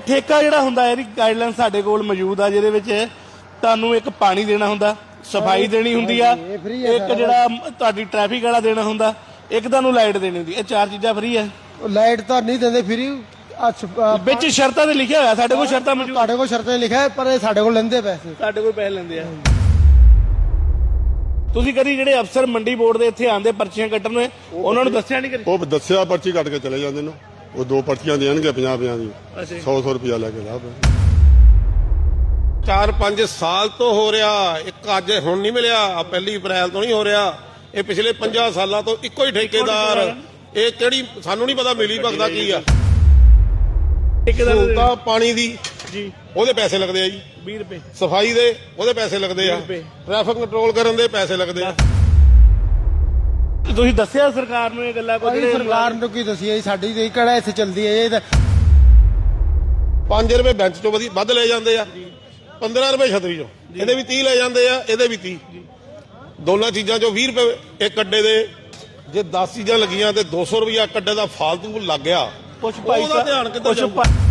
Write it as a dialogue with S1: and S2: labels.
S1: ਠੇਕਾ ਜਿਹੜਾ ਹੁੰਦਾ ਇਹਦੀ ਗਾਈਡਲਾਈਨ ਸਾਡੇ ਕੋਲ ਮੌਜੂਦ ਆ, ਜਿਹਦੇ ਵਿੱਚ ਤੁਹਾਨੂੰ ਇੱਕ ਪਾਣੀ ਦੇਣਾ ਹੁੰਦਾ, ਸਫਾਈ ਦੇਣੀ ਹੁੰਦੀ ਆ, ਇੱਕ ਜਿਹੜਾ ਤੁਹਾਡੀ ਟ੍ਰੈਫਿਕ ਵਾਲਾ ਦੇਣਾ ਹੁੰਦਾ, ਇੱਕ ਤੁਹਾਨੂੰ ਲਾਈਟ ਦੇਣੀ ਹੁੰਦੀ। ਇਹ 4 ਚੀਜ਼ਾਂ ਫ੍ਰੀ ਆ।
S2: ਲਾਈਟ ਤਾਂ ਨਹੀਂ ਦਿੰਦੇ ਫ੍ਰੀ,
S1: ਵਿੱਚ ਸ਼ਰਤਾਂ ਤੇ ਲਿਖਿਆ ਹੋਇਆ, ਸਾਡੇ ਕੋਲ ਸ਼ਰਤਾਂ ਮੌਜੂਦ।
S2: ਤੁਹਾਡੇ ਕੋਲ ਸ਼ਰਤਾਂ ਲਿਖਿਆ ਹੈ, ਪਰ ਇਹ ਸਾਡੇ ਕੋਲ ਲੈਂਦੇ ਪੈਸੇ,
S1: ਸਾਡੇ ਕੋਲ ਪੈਸੇ ਲੈਂਦੇ ਆ। ਤੁਸੀਂ ਕਦੀ ਜਿਹੜੇ ਅਫਸਰ ਮੰਡੀ ਬੋਰਡ ਦੇ ਇੱਥੇ ਆਂਦੇ ਪਰਚੀਆਂ ਕੱਟਣ ਨੇ, ਉਹਨਾਂ ਨੂੰ ਦੱਸਿਆ ਨਹੀਂ ਕਰੀ?
S3: ਉਹ ਦੱਸਿਆ, ਪਰਚੀ ਕੱਟ ਕੇ ਚਲੇ ਜਾਂਦੇ ਨੇ। ਉਹ 2 ਪਰਚੀਆਂ ਦੇਣਗੇ 50-50 ਦੀ, 100 ਰੁਪਇਆ ਲੈ ਕੇ ਲਾ।
S4: 4-5 ਸਾਲ ਤੋਂ ਹੋ ਰਿਹਾ, ਇੱਕ ਅੱਜ ਹੁਣ ਨਹੀਂ ਮਿਲਿਆ, 1 ਅਪ੍ਰੈਲ ਤੋਂ ਨਹੀਂ ਹੋ ਰਿਹਾ, ਇਹ ਪਿਛਲੇ 50 ਸਾਲਾਂ ਤੋਂ ਇੱਕੋ ਹੀ ਠੇਕੇਦਾਰ। ਇਹ ਕਿਹੜੀ ਸਾਨੂੰ ਨਹੀਂ ਪਤਾ ਮਿਲੀ ਭਗਦਾ ਕੀ ਆ। ਸਹੂਲਤਾਂ ਪਾਣੀ ਦੀ
S1: ਜੀ
S4: ਉਹਦੇ ਪੈਸੇ ਲੱਗਦੇ ਆ ਜੀ
S1: 20 ਰੁਪਏ,
S4: ਸਫਾਈ ਦੇ ਉਹਦੇ ਪੈਸੇ ਲੱਗਦੇ ਆ, ਟ੍ਰੈਫਿਕ ਕੰਟਰੋਲ ਕਰਨ ਦੇ ਪੈਸੇ ਲੱਗਦੇ ਆ।
S1: ਤੁਸੀਂ ਦੱਸਿਆ ਸਰਕਾਰ ਨੂੰ ਇਹ ਗੱਲਾਂ? ਕੋਈ
S2: ਸਰਕਾਰ ਨੂੰ ਕੀ ਦਸੀਏ, ਸਾਡੀ ਤੇ ਕਿਹੜਾ ਇੱਥੇ ਚੱਲਦੀ ਹੈ ਇਹ ਤਾਂ।
S4: 5 ਰੁਪਏ ਬੈਂਚ ਚੋਂ ਵੱਧ ਲੈ ਜਾਂਦੇ ਆ, 15 ਰੁਪਏ ਛਤਰੀ ਚੋਂ, ਇਹਦੇ ਵੀ 30 ਲੈ ਜਾਂਦੇ ਆ, ਇਹਦੇ ਵੀ 30। ਦੋਨਾਂ ਚੀਜ਼ਾਂ ਚੋਂ 20 ਰੁਪਏ ਇੱਕ ਅੱਡੇ ਦੇ। ਜੇ 10 ਚੀਜ਼ਾਂ ਲੱਗੀਆਂ ਤੇ 200 ਰੁਪਇਆ ਇੱਕ ਅੱਡੇ ਦਾ ਫਾਲਤੂ ਲੱਗ ਗਿਆ,
S1: ਕੁਛ ਭਾਈ
S4: ਉਹਦਾ ਧਿਆਨ ਕਿੱਧਰ ਜਾਊਗਾ?